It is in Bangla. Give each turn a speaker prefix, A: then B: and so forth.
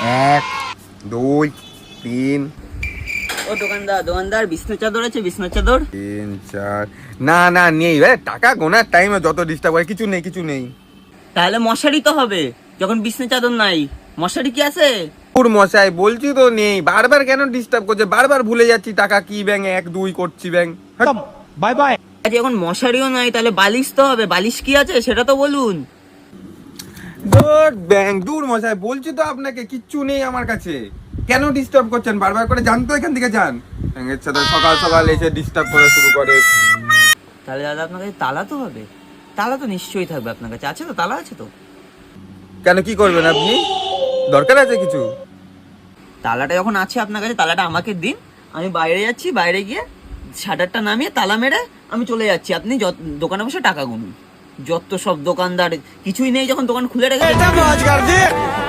A: 1 2 3
B: ও দোকানদার বিছনা চাদর আছে? বিছনা চাদর
A: 3 4 না না নেই টাকা গোনার টাইমে যত ডিস্টার্ব করে কিছু নেই।
B: তাহলে মশারি তো হবে, যখন বিছনা চাদর নাই মশারি কি আছে?
A: পুর মশাই বলছি তো নেই, বারবার কেন ডিস্টার্ব করছে, বারবার ভুলে যাচ্ছি টাকা কি ব্যাং 1 2 করছি ব্যাং।
C: Bye bye.
B: আচ্ছা এখন মশারিও নাই, তাহলে বালিশ তো হবে, বালিশ কি আছে সেটা তো বলুন।
A: দূর মশাই বলছি তো আপনাকে কিচ্ছু নেই আমার কাছে, কেন ডিস্টার্ব করছেন বারবার করে? জান তো এখান থেকে যান। এর সাথে সকাল সকাল এসে ডিস্টার্ব করা শুরু করে।
B: তাহলে দাদা আপনার কাছে তালা তো হবে, তালা তো নিশ্চয়ই থাকবে আপনার কাছে, আছে তো? তালা আছে তো?
A: কেন কি করবেন আপনি, দরকার আছে কিছু?
B: তালাটা যখন আছে আপনার কাছে তালাটা আমাকে দিন, আমি বাইরে যাচ্ছি, বাইরে গিয়ে শাটারটা নামিয়ে তালা মেরে আমি চলে যাচ্ছি, আপনি দোকানে বসে টাকা গুনুন। যত সব দোকানদার, কিছুই নেই যখন দোকান খুলে রেখে